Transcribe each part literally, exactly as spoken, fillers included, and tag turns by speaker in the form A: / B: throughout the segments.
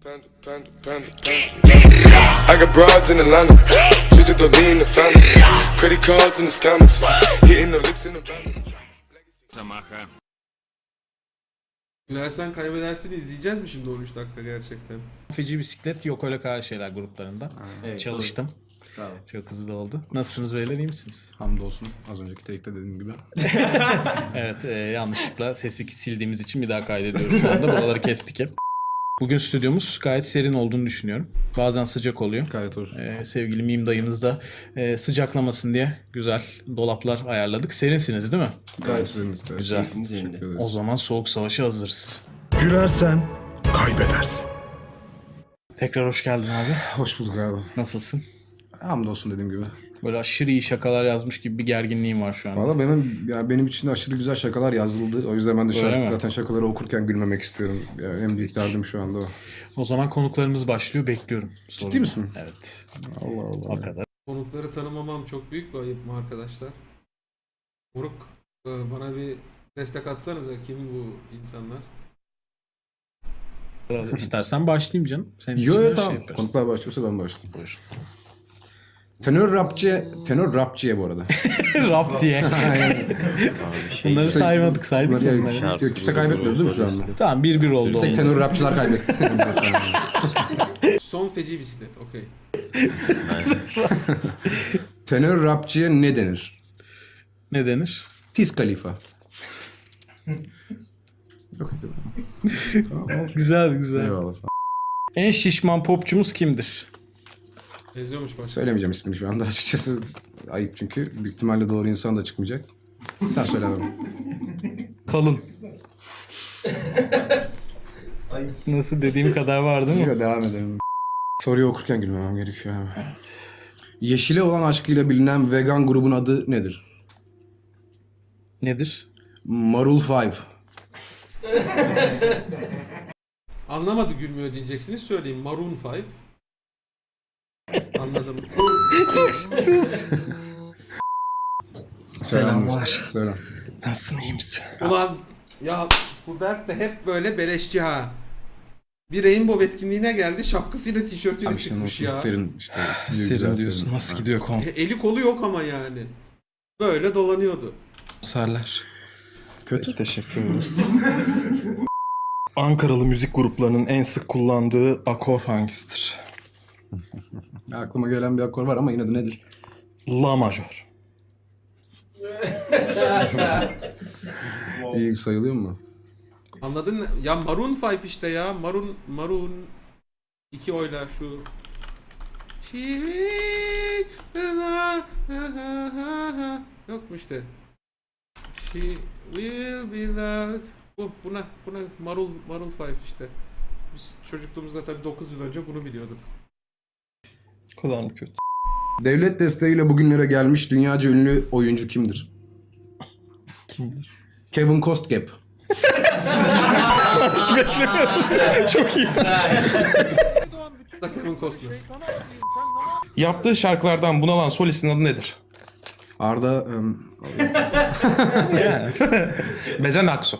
A: Panda, panda, panda, panda. I got broads in Atlanta, just to the lean the family. Credit cards in the scammers, hitting the licks in the van.
B: Samaha.
C: Gülersen kaybedersin izleyeceğiz mi şimdi on üç dakika gerçekten?
D: Feci bisiklet yok öyle kadar şeyler gruplarında.
E: Evet,
D: Çalıştım.
E: Bravo.
D: Çok hızlı oldu. Nasılsınız beyler, iyi misiniz?
E: Hamdolsun. Az önceki take'te dediğim gibi.
D: Evet, e, yanlışlıkla sesi sildiğimiz için bir daha kaydediyoruz şu anda. Buraları kestik hep. Bugün stüdyomuz gayet serin olduğunu düşünüyorum. Bazen sıcak oluyor.
E: Gayet hoş.
D: Ee, sevgili Mim dayımız da e, sıcaklamasın diye güzel dolaplar ayarladık. Serinsiniz değil mi?
E: Gayet güzel.
D: Güzel.
E: Teşekkür ederiz.
D: O zaman soğuk savaşa hazırız.
F: Gülersen kaybedersin.
D: Tekrar hoş geldin abi.
E: Hoş bulduk abi.
D: Nasılsın?
E: Hamdolsun dediğim gibi.
D: Böyle aşırı iyi şakalar yazmış gibi bir gerginliğim var şu an.
E: Valla benim ya benim için aşırı güzel şakalar yazıldı. O yüzden ben de
D: Öyle
E: şarkı,
D: mi?
E: zaten şakaları okurken gülmemek istiyorum. Yani en büyük derdim şu anda o.
D: O zaman konuklarımız başlıyor. Bekliyorum.
E: Ciddi
D: Sorumu.
E: misin?
D: Evet.
E: Allah
D: O
E: Allah.
D: kadar.
C: Konukları tanımamam çok büyük bir ayıp mı arkadaşlar? Moruk, e, bana bir destek atsanıza, kim bu insanlar?
D: İstersen başlayayım canım. Senin
E: Yo
D: için
E: yo
D: her şey
E: tamam.
D: yaparız.
E: Konuklar başlıyorsa ben başlayayım. Buyur. Tenör rapçiye, tenör rapçiye bu arada.
D: Rap diye. Bunları saymadık, saydık
E: Bunları-
D: bunları.
E: Yok, kimse kaybetmedi değil mi şu anda?
D: Tamam, bir bir oldu.
E: Tek
D: oldu.
E: tenör rapçiler kaybetti.
C: Son feci bisiklet, okey.
E: Tenör rapçiye ne denir?
D: Ne denir?
E: Tiz Khalifa. Yok
D: Güzel güzel.
E: Eyvallah. sağ ol.
D: En şişman popçumuz kimdir?
C: Benziyormuş bak.
E: Söylemeyeceğim ismini şu anda açıkçası. Ayıp çünkü. Büyük ihtimalle doğru insan da çıkmayacak. Sen söyle abi.
D: Kalın. Nasıl, dediğim kadar var değil mi?
E: Yok, devam edelim. Soruyu okurken gülmemem gerekiyor abi. Yeşile olan aşkıyla bilinen vegan grubun adı nedir?
D: Nedir?
E: Marul Five.
C: Anlamadı, gülmüyor diyeceksiniz, söyleyeyim. Maroon five. Anladım.
F: Selamlar.
E: Söyle.
F: Nasılsın, iyi misin?
C: Ulan ya, bu Berk de hep böyle beleşçi ha. Bir Rainbow etkinliğine geldi, şapkasıyla tişörtüyle
E: Abi işte
C: çıkmış
E: nasıl
C: ya.
E: serin işte. stüdyo
F: Serin
E: güzel,
F: diyorsun.
E: serin.
F: Nasıl
E: Ha.
F: gidiyor
C: E, eli kolu yok ama yani. Böyle dolanıyordu.
F: konserler?
E: Kötü.
F: Teşekkür ederiz. Ankaralı müzik gruplarının en sık kullandığı akor hangisidir?
E: Ya, aklıma gelen bir akor var ama yine de nedir?
F: La majör.
E: İyi sayılıyor mu?
C: Anladın mı? Ya Maroon five işte ya. Maroon, Maroon. iki oyla şu. Yok mu işte? She will be loved. Bu, buna, buna Marul, Marul five işte. Biz çocukluğumuzda tabii dokuz yıl önce bunu biliyorduk.
F: O kadar mı kötü?
E: Devlet desteğiyle bugünlere gelmiş dünyaca ünlü oyuncu kimdir?
F: Kimdir?
E: Kevin Costgap.
F: Çok iyi.
C: Da Kevin Costner.
F: Yaptığı şarkılardan bunalan solistin adı nedir?
E: Arda... em,
F: Bezen Aksu.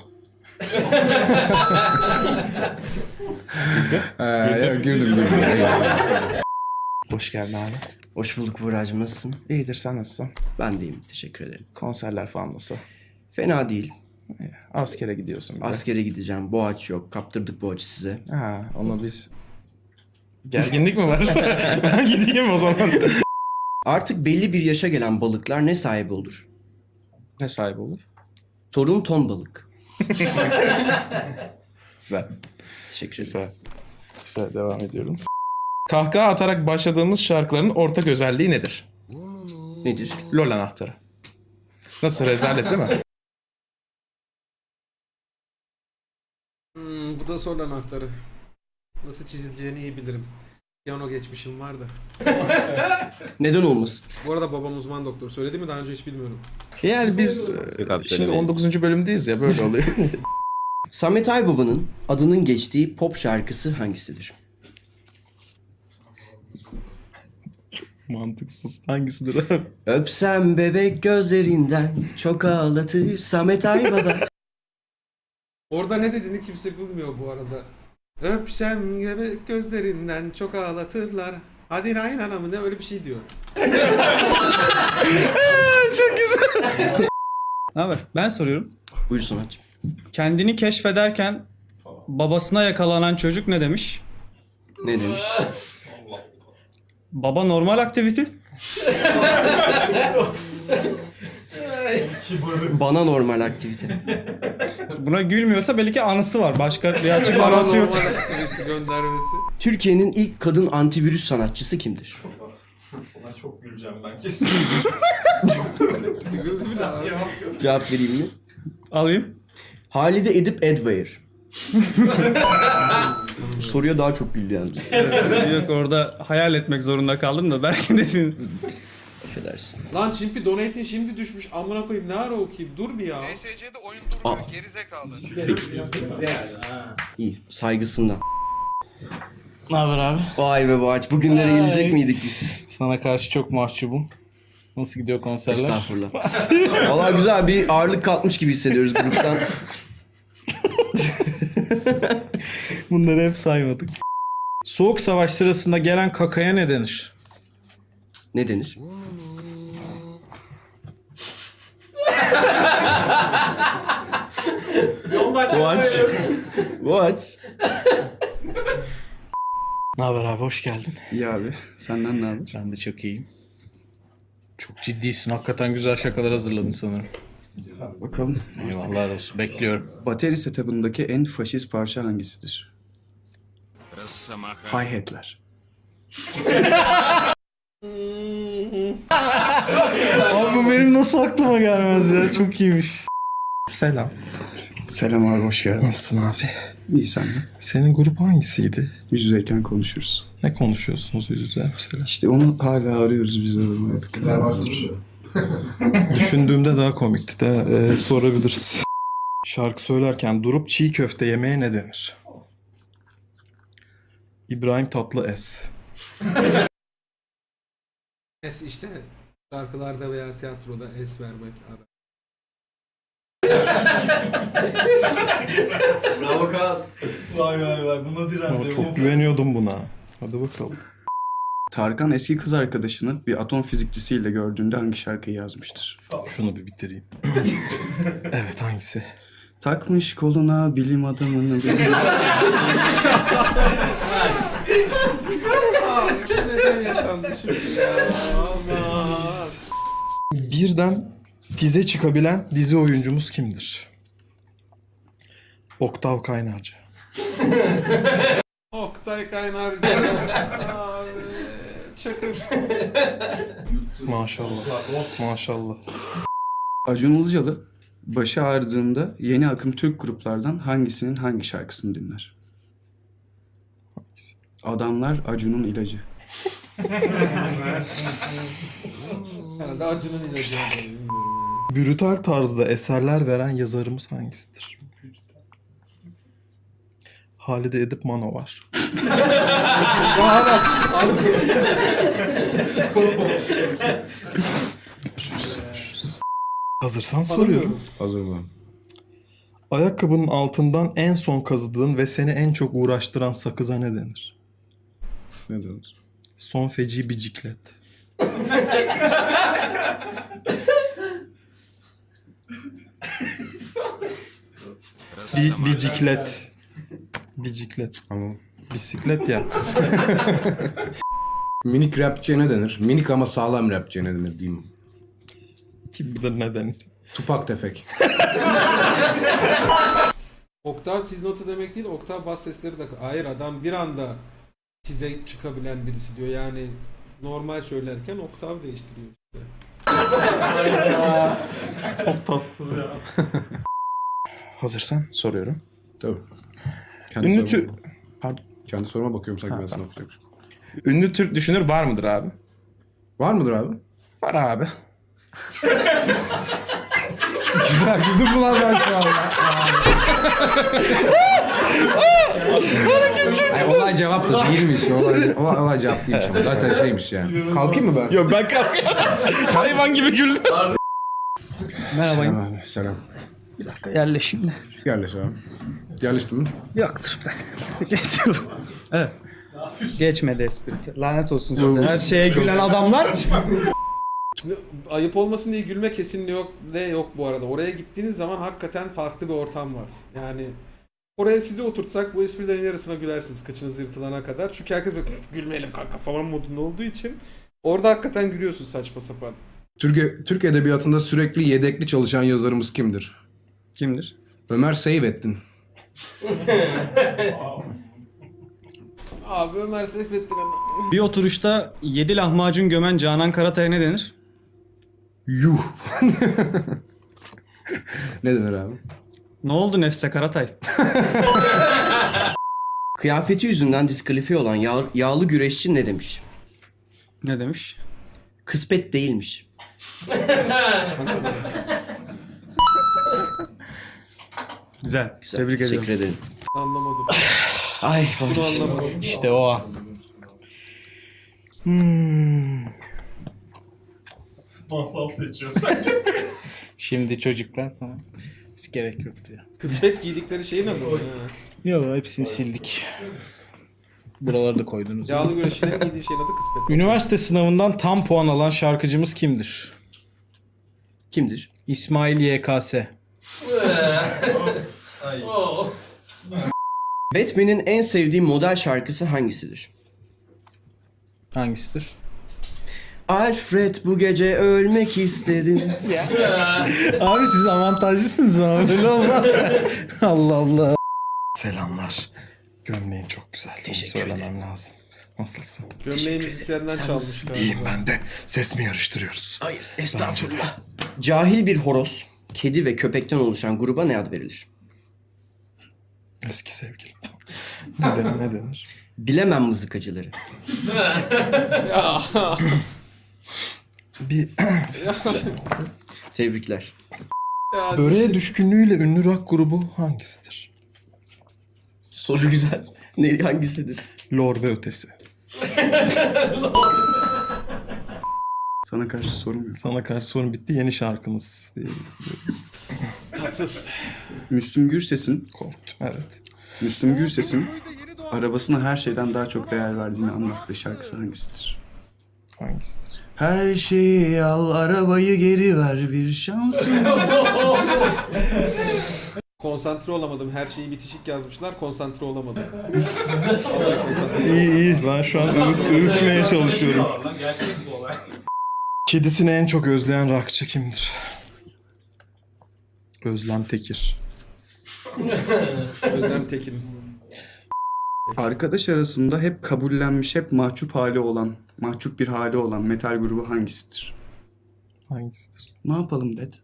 E: Ee, ya, güldüm güldüm.
F: Hoş geldin abi.
G: Hoş bulduk Buğra'cığım, nasılsın?
F: İyidir, sen nasılsın?
G: Ben deyim, teşekkür ederim.
F: Konserler falan nasıl?
G: Fena değil.
F: Askere gidiyorsun bir de.
G: Askere gideceğim, Boğaç yok. Kaptırdık Boğaç'ı size.
F: Ha, onu biz... Gerginlik mi var? Ben gideyim o zaman.
G: Artık belli bir yaşa gelen balıklar ne sahibi olur?
F: Ne sahibi olur?
G: Torun ton balık.
F: Güzel.
G: Teşekkür ederim.
F: Güzel. Güzel, devam ediyorum. Kahkaha atarak başladığımız şarkıların ortak özelliği nedir?
G: Nedir?
F: LOL anahtarı. Nasıl, rezalet değil mi?
C: Hmm, bu da sol anahtarı. Nasıl çizileceğini iyi bilirim. Piyano geçmişim var da.
G: Neden olmasın?
C: Bu arada babam uzman doktor. Söyledi mi daha önce hiç bilmiyorum.
F: Yani biz e, şimdi on dokuzuncu bölümdeyiz ya, böyle oluyor.
G: Samet Aybaba'nın adının geçtiği pop şarkısı hangisidir?
F: Mantıksız. Hangisidir abi?
G: Öpsem bebek gözlerinden çok ağlatır Samet Aybaba.
C: Orada ne dediğini kimse bilmiyor bu arada. Öpsem göbek gözlerinden çok ağlatırlar. Hadi Ryan anamı ne öyle bir şey diyor.
H: Ne haber? Ben soruyorum.
G: Buyur sanatçım.
H: Kendini keşfederken babasına yakalanan çocuk ne demiş?
G: Ne demiş?
H: Baba normal aktivite.
G: Bana normal aktivite.
H: Buna gülmüyorsa belki anısı var. Başka bir açıklaması yok.
C: Normal aktivite göndermesi.
G: Türkiye'nin ilk kadın antivirüs sanatçısı kimdir?
C: Sıkıldı bile abi.
G: Cevap vereyim mi?
H: Alayım.
G: Halide Edip Edware. Soruya daha çok güldü yalnız.
H: Yok orada hayal etmek zorunda kaldım da belki de
G: Affedersin.
C: Lan Çimpi donate'in şimdi düşmüş. Amına koyayım ne ara okuyayım? Dur bir ya.
I: P S C'de oyun durmuyor gerizekalı.
G: İyi. Saygısından.
D: Ne haber abi?
G: Vay be Boğaç. Bugünlere gelecek miydik biz?
D: Sana karşı çok mahcubum. Nasıl gidiyor konserler?
G: Estağfurullah. Valla güzel bir ağırlık kalkmış gibi hissediyoruz gruptan.
D: Bunları hep saymadık. Soğuk savaş sırasında gelen kakaya ne denir?
G: Ne denir? Boğaç. Boğaç.
D: Ne haber abi, hoş geldin.
E: İyi abi. Senden ne haber?
D: Ben de çok iyiyim. Çok ciddisin. Hakikaten güzel şakalar hazırladın sanırım.
E: Bakalım.
D: Eyvallah olsun. Bekliyorum.
E: Bateri setup'ındaki en faşist parça hangisidir?
B: Росомаха.
E: Hi-hat'ler.
D: Abi bu benim nasıl aklıma gelmez ya. Çok iyiymiş.
F: Selam.
E: Selam abi, hoş geldin.
F: Nasılsın abi?
E: İyi sen de.
F: Senin grup hangisiydi?
E: Yüz yüzeyken konuşuruz.
F: Ne konuşuyorsunuz yüz yüze mesela?
E: İşte onu hala arıyoruz biz adamı.
F: Düşündüğümde daha komikti de e, sorabiliriz. Şarkı söylerken durup çiğ köfte yemeye ne denir? İbrahim Tatlıes.
C: Es işte şarkılarda veya tiyatroda es vermek. Ara.
G: Bravo Kaan.
F: Ama çok güveniyordum buna. Hadi bakalım.
E: Tarkan eski kız arkadaşını bir atom fizikçisiyle gördüğünde hangi şarkıyı yazmıştır?
F: Şunu bir bitireyim. Evet, hangisi?
E: Takmış koluna bilim adamını.
C: Neden yaşandı şimdi ya? Aman.
F: Birden dize çıkabilen dizi oyuncumuz kimdir? Oktav Kaynarca.
C: Oktay Kaynarca. Abi. Çakır.
F: Maşallah. Maşallah.
E: Acun Ilıcalı başı ağrıdığında yeni akım Türk gruplardan hangisinin hangi şarkısını dinler? Adamlar Acun'un ilacı.
C: Herhalde Acun'un ilacı. Bilmiyorum yani.
F: Brutal tarzda eserler veren yazarımız hangisidir? Halide Edip Manovar. Hazırsan soruyorum.
E: Hazır mı?
F: Ayakkabının altından en son kazıdığın ve seni en çok uğraştıran sakıza ne denir?
E: Ne denir?
F: Son feci bir ciklet. bir, bir ciklet. Bir ciklet.
E: Ama
F: Bisiklet ya.
J: Minik rapçiye ne denir? Minik ama sağlam rapçiye ne denir diyeyim.
F: Kim bilir ne denir?
J: Tupak tefek.
C: Oktav tiz notu demek değil, oktav bas sesleri de... Hayır adam bir anda tize çıkabilen birisi diyor. Yani normal söylerken oktav değiştiriyor işte.
F: Çok tatsız ya. Hazırsan soruyorum.
J: Tabii. Kendi
F: Ünlü
J: soruma,
F: Türk... Pardon.
J: kendi soruma bakıyorum sanki ben sana yapacakmışım.
F: Ünlü Türk düşünür var mıdır abi?
J: Var mıdır abi?
F: Var abi.
J: Güzel güldüm mü lan ben şu an? Ay, olay cevap da değilmiş. Olay, olay, olay cevap değilmiş ama zaten şeymiş yani. Kalkayım mı ben?
F: Yok ben kalkıyorum. Hayvan gibi güldüm.
J: Selam abi, selam.
H: Bir dakika yerleş şimdi.
J: Yerleş abi.
E: Yerleşti mi?
H: Yoktur be. Geçiyorum. Evet. Geçmedi espri. Lanet olsun size. Her şeye gülen adamlar.
C: Şimdi ayıp olmasın diye gülme kesinlikle yok de yok bu arada. Oraya gittiğiniz zaman hakikaten farklı bir ortam var. Yani oraya sizi oturtsak bu esprilerin yarısına gülersiniz kaçınız yırtılana kadar. Çünkü herkes böyle gülmeyelim kanka falan modunda olduğu için orada hakikaten gülüyorsun saçma sapan.
E: Türkiye, Türk Edebiyatı'nda sürekli yedekli çalışan yazarımız kimdir?
H: Kimdir?
E: Ömer Seyfettin.
C: Abi Ömer Seyfettin ama.
H: Bir oturuşta yedi lahmacun gömen Canan Karatay'a ne denir?
E: Yuh. Ne denir abi?
H: Ne oldu Nefse Karatay?
G: Kıyafeti yüzünden diskalifiye olan yağ- yağlı güreşçi ne demiş?
H: Ne demiş?
G: Kısmet değilmiş.
H: Güzel.
G: Güzel,
H: Tebrik
G: teşekkür
H: ediyorum.
G: ederim.
C: Anlamadım.
H: Ay
C: Bunu anlamadım.
D: İşte o an.
F: Masal seçiyorsun.
D: Şimdi çocuklar falan. Hiç gerek yoktu ya.
C: Kısmet giydikleri şeyin adı mı? Ha.
D: Yok hepsini sildik. Buraları da koydunuz.
C: Yağlı güreşçilerin giydiği şeyin adı kısmet.
D: Üniversite sınavından tam puan alan şarkıcımız kimdir?
G: Kimdir?
D: İsmail Y K S.
G: Batman'in en sevdiği model şarkısı hangisidir?
D: Hangisidir?
G: Alfred bu gece ölmek istedim.
D: Abi siz avantajlısınız ama böyle olmaz. Allah Allah.
F: Selamlar. Gömleğin çok güzel.
G: Teşekkür
F: Onu söylemem lazım. Nasılsın?
C: Gömleği müzisyenden çalmış galiba.
F: İyiyim ben de. Ses mi yarıştırıyoruz?
G: Hayır, estağfurullah. Cahil bir horoz, kedi ve köpekten oluşan gruba ne ad verilir?
F: Eski sevgilim. Ne denir? Ne denir?
G: Bilemem mızıkacıları.
F: Bir
G: Tebrikler.
C: Ya,
F: böreğe düşkünlüğüyle ünlü rock grubu hangisidir?
G: Soru güzel. Ne, hangisidir?
F: Lor ve ötesi.
E: Sana karşı sorum yok.
F: Sana karşı sorun bitti. Yeni şarkımız diye
C: tatsız.
J: Müslüm Gürses'in,
F: korktum. Evet.
J: Müslüm Gürses'in arabasına her şeyden daha çok değer verdiğini anlattığı şarkısı hangisidir?
F: Hangisidir?
J: Her şeyi al, arabayı geri ver, bir şansın.
C: Konsantre olamadım. Her şeyi bitişik yazmışlar. Konsantre olamadım. Vallahi konsantre.
F: İyi iyi. Ben şu an öğüt, öğütmeye çalışıyorum. Kedisini en çok özleyen rockçı kimdir? Özlem Tekir.
C: Özlem Tekin.
J: Arkadaş arasında hep kabullenmiş, hep mahcup hali olan, mahcup bir hali olan metal grubu hangisidir?
F: Hangisidir?
J: Ne yapalım Ded?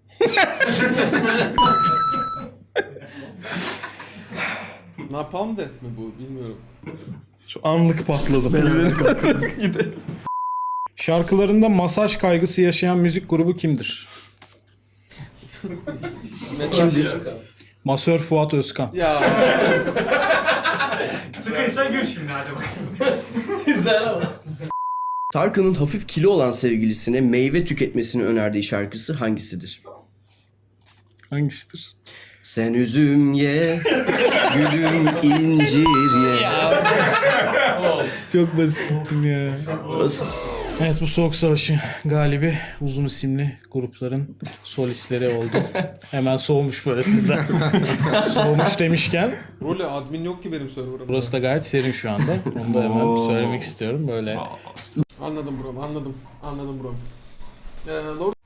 C: Napalm Death mi bu? Bilmiyorum.
F: Şu anlık patladım.
D: Şarkılarında masaj kaygısı yaşayan müzik grubu kimdir?
C: Kimdir?
D: Masör Fuat Özkan.
C: Ya
G: Tarkan'ın hafif kilo olan sevgilisine meyve tüketmesini önerdiği şarkısı hangisidir?
D: Hangisidir?
G: Sen üzüm ye, gülüm incir ye.
D: Çok basittim ya.
G: Basit.
D: Evet bu Soğuk Savaşı galibi uzun isimli grupların solistleri oldu. Hemen soğumuş böyle sizden. Soğumuş demişken
C: role admin yok ki benim server'ımda.
D: burası da gayet serin şu anda. Onu da hemen söylemek istiyorum böyle.
C: Anladım bro, anladım. Anladım bro. Ee, Lord